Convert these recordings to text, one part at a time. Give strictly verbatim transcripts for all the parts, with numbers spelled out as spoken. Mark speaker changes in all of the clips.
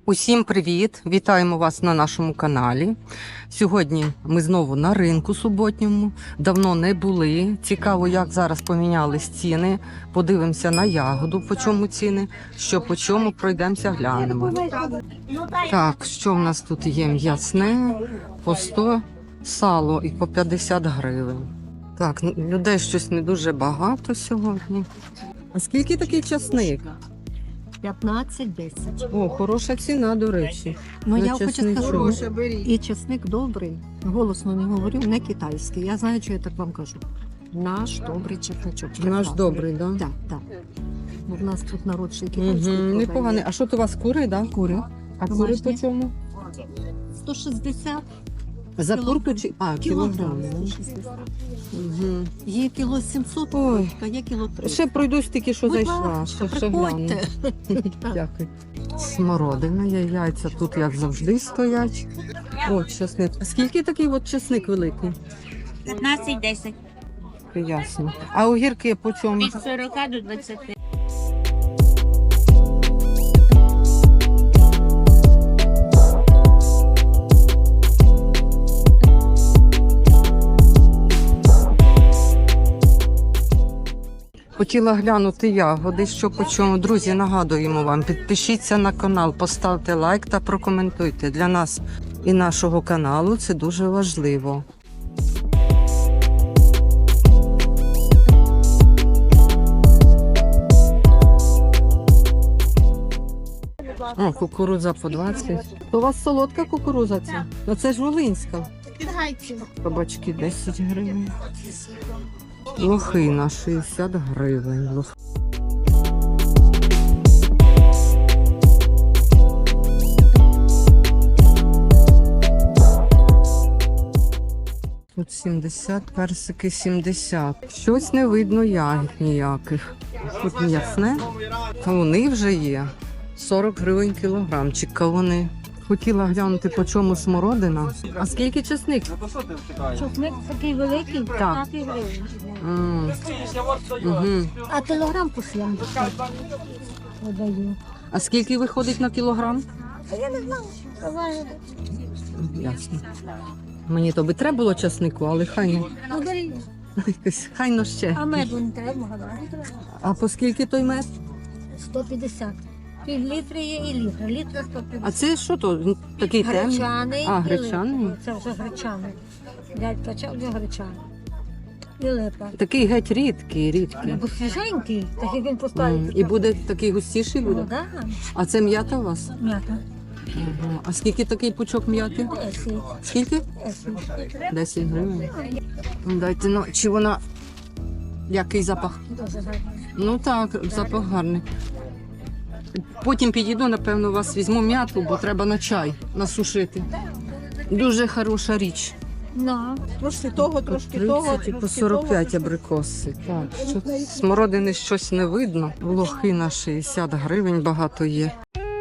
Speaker 1: Усім привіт! Вітаємо вас на нашому каналі. Сьогодні ми знову на ринку суботньому. Давно не були. Цікаво, як зараз помінялись ціни. Подивимося на ягоду, по чому ціни, що по чому, пройдемося, глянемо. Так, що в нас тут є? М'ясне по сто, сало і по п'ятдесят гривень. Так, людей щось не дуже багато сьогодні. А скільки такий часник?
Speaker 2: п'ятнадцять десять.
Speaker 1: О, хороша ціна, до речі.
Speaker 2: Ну,
Speaker 1: на
Speaker 2: я хочу
Speaker 1: чесничок.
Speaker 2: сказати, і чесник добрий, голосно не говорю, не китайський. Я знаю, що я так вам кажу. Наш добрий чесничок.
Speaker 1: Наш добрий, так? Да?
Speaker 2: Так, так. Бо в нас тут народ ще й
Speaker 1: Угу,
Speaker 2: китайський.
Speaker 1: непоганий. А що то у вас кури, да?
Speaker 2: Кури.
Speaker 1: А кури
Speaker 2: Домашні.
Speaker 1: по чому?
Speaker 2: сто шістдесят.
Speaker 1: За
Speaker 2: Кілограм.
Speaker 1: курку чи? А,
Speaker 2: Кілограм.
Speaker 1: кілограм.
Speaker 2: сто шістдесят.
Speaker 1: Угу.
Speaker 2: Є кіло сімсот,
Speaker 1: Ой.
Speaker 2: а є кіло триста.
Speaker 1: Ще пройдусь тільки, що
Speaker 2: Будь
Speaker 1: зайшла.
Speaker 2: ласка,
Speaker 1: Ще, ще гляну.
Speaker 2: приходьте.
Speaker 1: Дякую. Смородина є, яйця тут, як завжди, стоять. О, чесник. А скільки такий от чесник великий?
Speaker 3: п'ятнадцять десять.
Speaker 1: Ясно. А огірки по чому?
Speaker 3: Від сорока до двадцяти.
Speaker 1: Хотіла глянути ягоди, що по чому. Друзі, нагадуємо вам, підпишіться на канал, поставте лайк та прокоментуйте. Для нас і нашого каналу це дуже важливо. О, кукурудза по двадцять. То у вас солодка кукурудза ця? Ну це ж волинська. Кабачки десять гривень. Лохина шістдесят гривень. Лох... Тут сімдесят, персики сімдесят. Щось не видно ягід ніяких. Тут м'ясне. Кавуни вже є. сорок гривень кілограмчик кавуни. Хотіла глянути, по чому смородина. А скільки чесник?
Speaker 2: Чесник такий великий,
Speaker 1: Так.
Speaker 2: п'ятнадцять гривень.
Speaker 1: М. Угу.
Speaker 2: А кілограм по сімдесят. Подаю.
Speaker 1: А скільки виходить на кілограм?
Speaker 2: Я не знаю. Давай.
Speaker 1: Ясно. Мені то би треба було часнику, але хай не.
Speaker 2: Ну, бери.
Speaker 1: Якось хай но ще.
Speaker 2: А меду не треба, гадаю.
Speaker 1: А по скільки той мед?
Speaker 2: сто п'ятдесят. Пів літри є і літр. Літр сто
Speaker 1: А
Speaker 2: п'ятдесят.
Speaker 1: це що то? Він такий темний?
Speaker 2: Гречаний.
Speaker 1: А,
Speaker 2: і
Speaker 1: гречаний?
Speaker 2: липа. Це вже гречаний. Дядь качав, вже гречаний. І липа.
Speaker 1: Такий геть рідкий, рідкий.
Speaker 2: Бо свіженький, так як він
Speaker 1: М,
Speaker 2: поставить.
Speaker 1: І буде такий густіший
Speaker 2: Ну,
Speaker 1: буде?
Speaker 2: да.
Speaker 1: А це м'ята у вас?
Speaker 2: М'ята.
Speaker 1: Ага. А скільки такий пучок м'яти?
Speaker 2: Десять.
Speaker 1: Скільки?
Speaker 2: Десять.
Speaker 1: десять гривень. Ну, дайте, ну, чи вона... Який запах?
Speaker 2: Дуже гарно.
Speaker 1: Ну так, запах гарний. Потім підійду, напевно, вас візьму м'яту, бо треба на чай насушити. Дуже хороша річ.
Speaker 2: Ну,
Speaker 4: Трошки того, трошки того.
Speaker 1: тридцять і по сорок п'ять абрикоси. Так, що смородини щось не видно. Лохина шістдесят гривень багато є.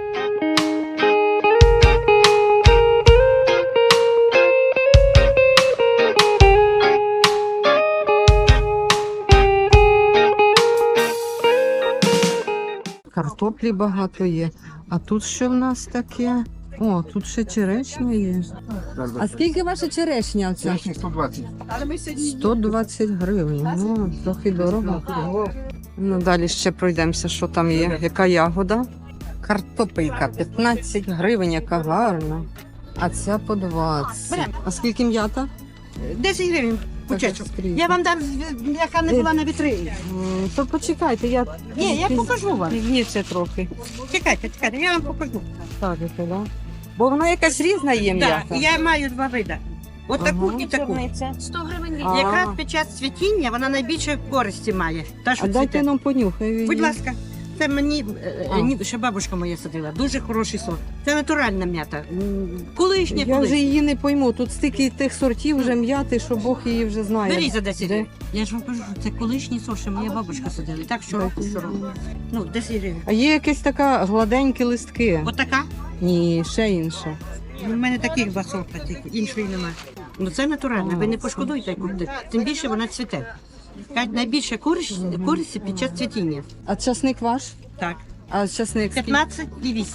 Speaker 1: Картоплі багато є. А тут що в нас таке? О, тут ще черешня є. А скільки ваша черешня оця?
Speaker 5: сто двадцять.
Speaker 1: сто двадцять гривень. Ну, трохи дорого. Ну, далі ще пройдемося, що там є. Яка ягода? Картопелька п'ятнадцять гривень, яка гарна. А ця по двадцять. А скільки м'ята?
Speaker 4: десять гривень пучечок.
Speaker 1: скрізь.
Speaker 4: Я вам дам, яка не була на вітрині.
Speaker 1: М, То почекайте, я...
Speaker 4: Ні, я покажу вам.
Speaker 1: Пізніше трохи.
Speaker 4: Чекайте, чекайте, я вам покажу.
Speaker 1: Так, да? Бо вона якась різна є
Speaker 4: Так,
Speaker 1: м'ята.
Speaker 4: я маю два види. От таку
Speaker 1: Ага.
Speaker 4: і таку.
Speaker 2: сто гривень.
Speaker 1: А.
Speaker 4: Якраз під час цвітіння вона найбільше користі має. Та, що
Speaker 1: А дайте
Speaker 4: цвіте.
Speaker 1: нам понюхай.
Speaker 4: Будь ласка, це мені е,
Speaker 1: А.
Speaker 4: ні, ще бабушка моя садила. Дуже хороший сорт. Це натуральна м'ята. М, Колишня,
Speaker 1: Я вже
Speaker 4: колишня.
Speaker 1: її не пойму. Тут стільки тих сортів вже м'яти, що Бог її вже знає.
Speaker 4: Беріть за десять
Speaker 1: Де?
Speaker 4: гривень. Я ж вам кажу, що це колишній сорт, що моя бабушка садила. І так щороку, щороку. Ну, десять гривень.
Speaker 1: А є якась така гладенькі листки?
Speaker 4: Отака.
Speaker 1: Ні, ще інша.
Speaker 4: У мене таких два сорта тільки, іншої немає. Ну це натурально, ви не пошкодуйте купити. Тим більше вона цвіте. Кажуть, найбільше користь, користі під час цвітіння.
Speaker 1: А часник ваш?
Speaker 4: Так.
Speaker 1: А часник скільки?
Speaker 4: п'ятнадцять і вісім.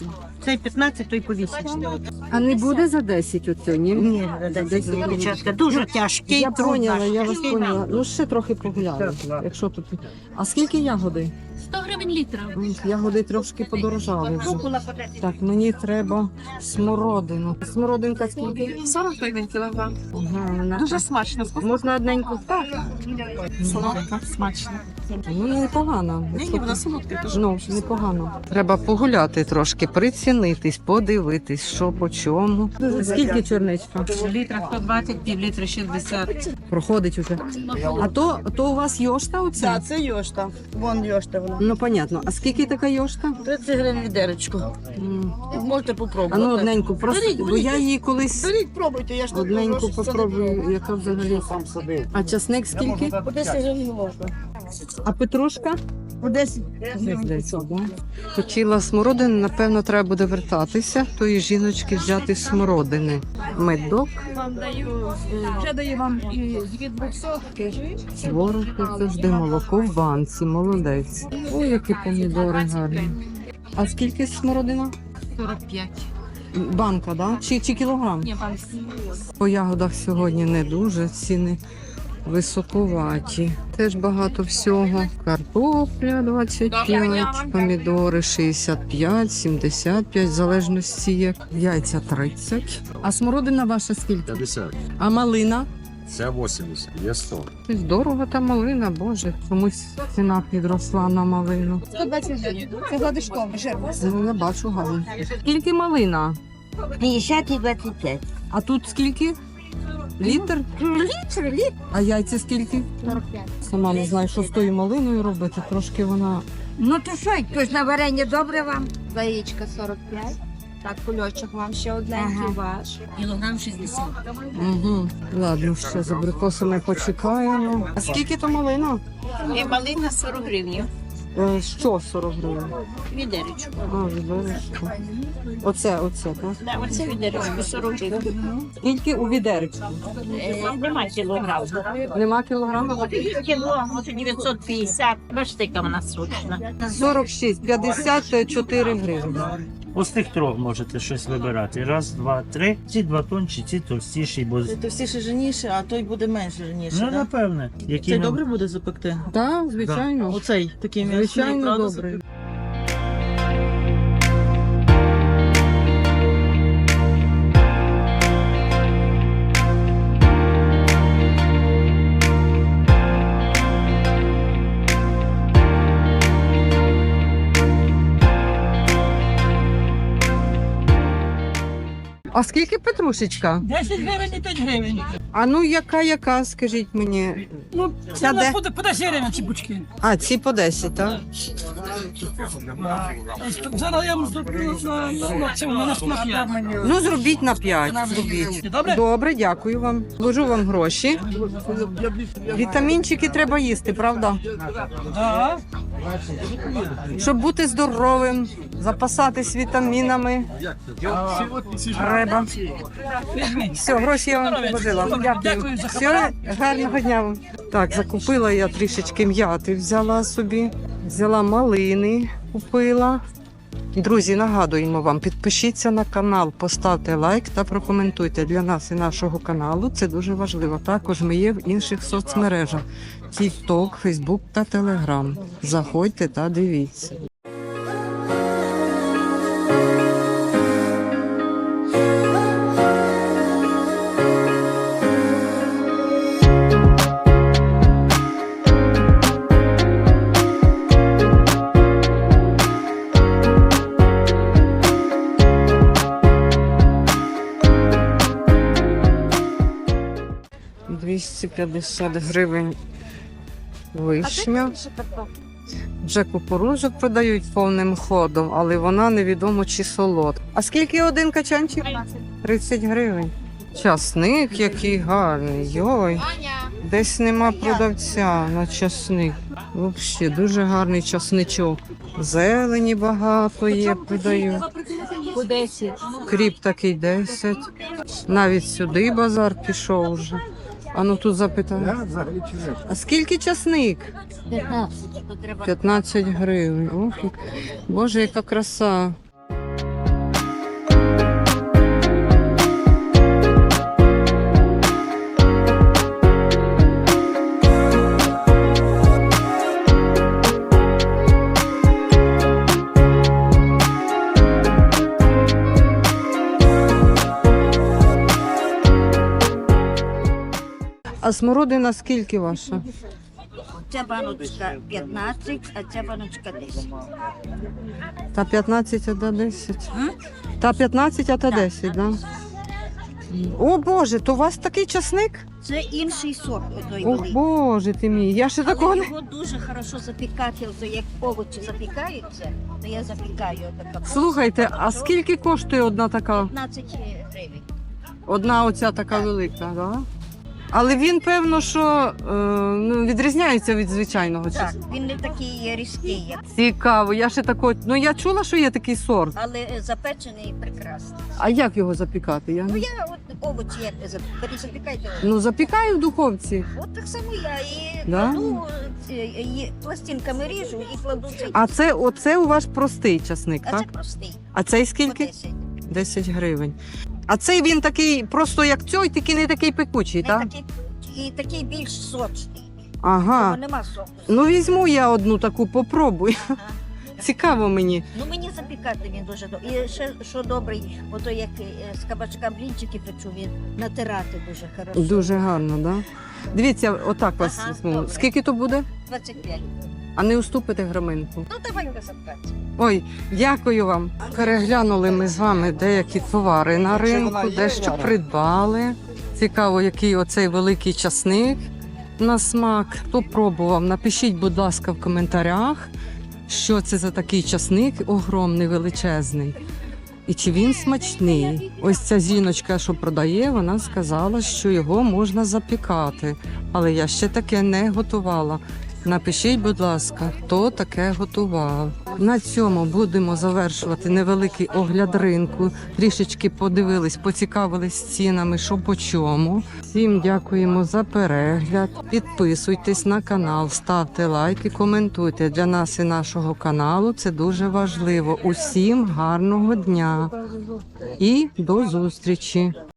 Speaker 4: Цей п'ятнадцять, той по вісім.
Speaker 1: А не буде за десять оцю, ні?
Speaker 4: Ні, дівчатка, дуже тяжкий.
Speaker 1: Я
Speaker 4: труд
Speaker 1: поняла,
Speaker 4: наш.
Speaker 1: я вас поняла. Ну ще трохи погуляю, якщо тут. А скільки ягоди?
Speaker 3: сто гривень літра.
Speaker 1: М, Ягоди трошки подорожали вже. Так, мені треба смородину. Смородинка скільки?
Speaker 5: сорок гривень кілограм.
Speaker 1: Ага, вона
Speaker 5: Дуже
Speaker 1: так.
Speaker 5: смачно.
Speaker 1: Можна одненьку? Так.
Speaker 5: Солодка, смачно.
Speaker 1: Ну, непогано.
Speaker 5: Ні, ні, вона солодка дуже.
Speaker 1: Ну, непогано. Треба погуляти трошки, прицінитись, подивитись, що по чому. Скільки чорничка?
Speaker 4: Літра сто двадцять, пів літра шістдесят.
Speaker 1: Проходить уже. А то, то у вас йошта оця?
Speaker 4: Так, це йошта. Вон йошта вона.
Speaker 1: Ну, понятно. А скільки така йошта?
Speaker 4: тридцять гривень відеречко.
Speaker 1: М.
Speaker 4: Можете
Speaker 1: А
Speaker 4: попробувати.
Speaker 1: ну, одненьку, просто,
Speaker 4: Беріть,
Speaker 1: бо
Speaker 4: беріть.
Speaker 1: я її колись
Speaker 4: Беріть, пробуйте, я ж тут
Speaker 1: одненьку
Speaker 4: прошу, що не
Speaker 1: попробую, яка взагалі. А часник скільки?
Speaker 4: По десять гривень можна.
Speaker 1: А петрушка?
Speaker 4: По десять.
Speaker 1: Здається, да. Хотіла смородини, напевно, треба буде вертатися, тої жіночки взяти смородини. Медок,
Speaker 5: Вам даю, вже даю вам і дві двохсотки.
Speaker 1: творог, як завжди, молоко в банці, молодець. Ой, які помідори гарні. А скільки смородина?
Speaker 5: сорок п'ять.
Speaker 1: Банка, да? Чи, чи кілограм?
Speaker 5: Ні, вам
Speaker 1: По ягодах сьогодні не дуже, ціни високуваті. Теж багато всього. Картопля двадцять п'ять, помідори шістдесят п'ять, сімдесят п'ять, в залежності як. Яйця тридцять. А смородина ваша скільки?
Speaker 6: п'ятдесят.
Speaker 1: А малина?
Speaker 6: Це вісімдесят. Є сто.
Speaker 1: Щось дорого та малина, боже. Чомусь ціна підросла на малину.
Speaker 5: сто двадцять гривень. Це гладишком, жирно.
Speaker 1: Ну, я бачу гарно. Скільки малина?
Speaker 3: п'ятдесят і двадцять п'ять.
Speaker 1: А тут скільки? Літр?
Speaker 3: Літр, літр.
Speaker 1: А яйця скільки?
Speaker 5: сорок п'ять.
Speaker 1: Сама не знаю, що з тою малиною робити. Трошки вона.
Speaker 3: Ну то що, хтось на варення добре вам?
Speaker 5: Яєчка сорок п'ять. Так, кульочок вам ще одненький
Speaker 3: Ага.
Speaker 5: ваш.
Speaker 3: Кілограм шістдесят.
Speaker 1: Угу. Ладно, ще з абрикосами почекаємо. А скільки то малина?
Speaker 3: І малина сорок гривень.
Speaker 1: Е, що сорок гривень?
Speaker 3: Відеречко.
Speaker 1: А, відеречко. Оце, оце, так?
Speaker 3: Да, оце відеречко сорок гривень.
Speaker 1: Скільки у відеречку?
Speaker 3: Е, Нема кілограм.
Speaker 1: Нема кілограму?
Speaker 3: Кіло, оце дев'ятсот п'ятдесят. Бачите, яка вона срочна.
Speaker 1: сорок шість, п'ятдесят чотири гривні.
Speaker 7: Ось тих трьох можете щось вибирати. Раз, два, три. Ці два тонші, ці товстіші, бо
Speaker 8: Це товстіше жирніше, а той буде менш жирніше.
Speaker 7: ну
Speaker 8: да?
Speaker 7: напевне. Які
Speaker 8: Цей
Speaker 7: нам-
Speaker 8: добре буде запекти?
Speaker 1: Так, звичайно.
Speaker 8: Оцей такий м'ясний,
Speaker 1: Звичайно,
Speaker 8: правда,
Speaker 1: добре. А скільки петрушечка?
Speaker 4: десять гривень і п'ять гривень.
Speaker 1: А ну яка, яка, скажіть мені.
Speaker 4: Ну,
Speaker 1: Ця де?
Speaker 4: по, по десять гривень ці бучки.
Speaker 1: А, ці по десять, так?
Speaker 4: Зараз я вам зроблю на, на цьому, на п'ять.
Speaker 1: Ну, зробіть на п'ять. Зробіть.
Speaker 4: Добре?
Speaker 1: Добре, дякую вам. Вложу вам гроші. Вітамінчики треба їсти, правда?
Speaker 4: Да.
Speaker 1: Щоб бути здоровим, запасатись вітамінами. Треба. Все, гроші я вам вложила. Дякую.
Speaker 4: Дякую за
Speaker 1: Все, гарного дня вам. Так, закупила я трішечки м'яти, взяла собі, взяла малини, купила. Друзі, нагадуємо вам, підпишіться на канал, поставте лайк та прокоментуйте для нас і нашого каналу. Це дуже важливо. Також ми є в інших соцмережах: TikTok, Facebook та Telegram. Заходьте та дивіться. двісті п'ятдесят гривень вишня. Вже кукурудзу продають повним ходом, але вона невідомо чи солодка. А скільки один качанчик? тридцять гривень. Часник який гарний. Йой. Десь нема продавця на часник. Взагалі, дуже гарний часничок. Зелені багато є, продають.
Speaker 5: По десять.
Speaker 1: Кріп такий десять. Навіть сюди базар пішов вже. А ну тут запитаю. А скільки часник? п'ятнадцять гривень. Ох, Боже, яка краса. А смородина скільки ваша?
Speaker 9: Ця баночка п'ятнадцять, а ця баночка десять.
Speaker 1: Та п'ятнадцять, а та десять. Та п'ятнадцять, а та десять, да? О Боже, то у вас такий часник?
Speaker 9: Це інший сорт отой
Speaker 1: О
Speaker 9: великий.
Speaker 1: Боже ти мій, я ще такого
Speaker 9: Але
Speaker 1: не...
Speaker 9: його дуже хорошо запікати, ото як овочі запікаються, то я запікаю така.
Speaker 1: Слухайте, а скільки коштує одна така?
Speaker 9: п'ятнадцять гривень.
Speaker 1: Одна оця така велика, да? Але він, певно, що е, ну, відрізняється від звичайного
Speaker 9: Так,
Speaker 1: часнику.
Speaker 9: він не такий різкий, як,
Speaker 1: Цікаво, я ще тако... Ну я чула, що є такий сорт.
Speaker 9: але е, запечений прекрасний.
Speaker 1: А як його запікати? Я...
Speaker 9: Ну
Speaker 1: не-
Speaker 9: я от овочі як ви зап- перезапікайте.
Speaker 1: Ну запікаю в духовці.
Speaker 9: От так само я і
Speaker 1: Да?
Speaker 9: кладу, е, і пластинками ріжу і кладу цей.
Speaker 1: А це оце у вас простий часник,
Speaker 9: А це
Speaker 1: так?
Speaker 9: простий.
Speaker 1: А цей
Speaker 9: По
Speaker 1: скільки?
Speaker 9: десять.
Speaker 1: десять гривень. А цей він такий, просто як цей, тільки не такий пекучий,
Speaker 9: Не
Speaker 1: так?
Speaker 9: такий, і такий більш сочний.
Speaker 1: Ага.
Speaker 9: Бо нема соку.
Speaker 1: Ну візьму я одну таку, попробую. Цікаво мені.
Speaker 9: Ну мені запікати він дуже добре. І ще що добрий, ото як е, з кабачка блінчики печу, він натирати дуже хорошо.
Speaker 1: Дуже гарно, так? Да? Дивіться, отак вас
Speaker 9: Ага,
Speaker 1: візьму.
Speaker 9: добре.
Speaker 1: Скільки то буде?
Speaker 9: двадцять п'ять.
Speaker 1: А не уступите граминку?
Speaker 9: Ну давай запекати.
Speaker 1: Ой, дякую вам. Переглянули ми з вами деякі товари на ринку, дещо придбали. Цікаво, який оцей великий часник на смак. Хто пробував, напишіть, будь ласка, в коментарях, що це за такий часник огромний, величезний. І чи він смачний? Ось ця жіночка, що продає, вона сказала, що його можна запікати. Але я ще таке не готувала. Напишіть, будь ласка, хто таке готував. На цьому будемо завершувати невеликий огляд ринку. Трішечки подивились, поцікавились цінами, що по чому. Всім дякуємо за перегляд. Підписуйтесь на канал, ставте лайки, коментуйте. Для нас і нашого каналу це дуже важливо. Усім гарного дня і до зустрічі!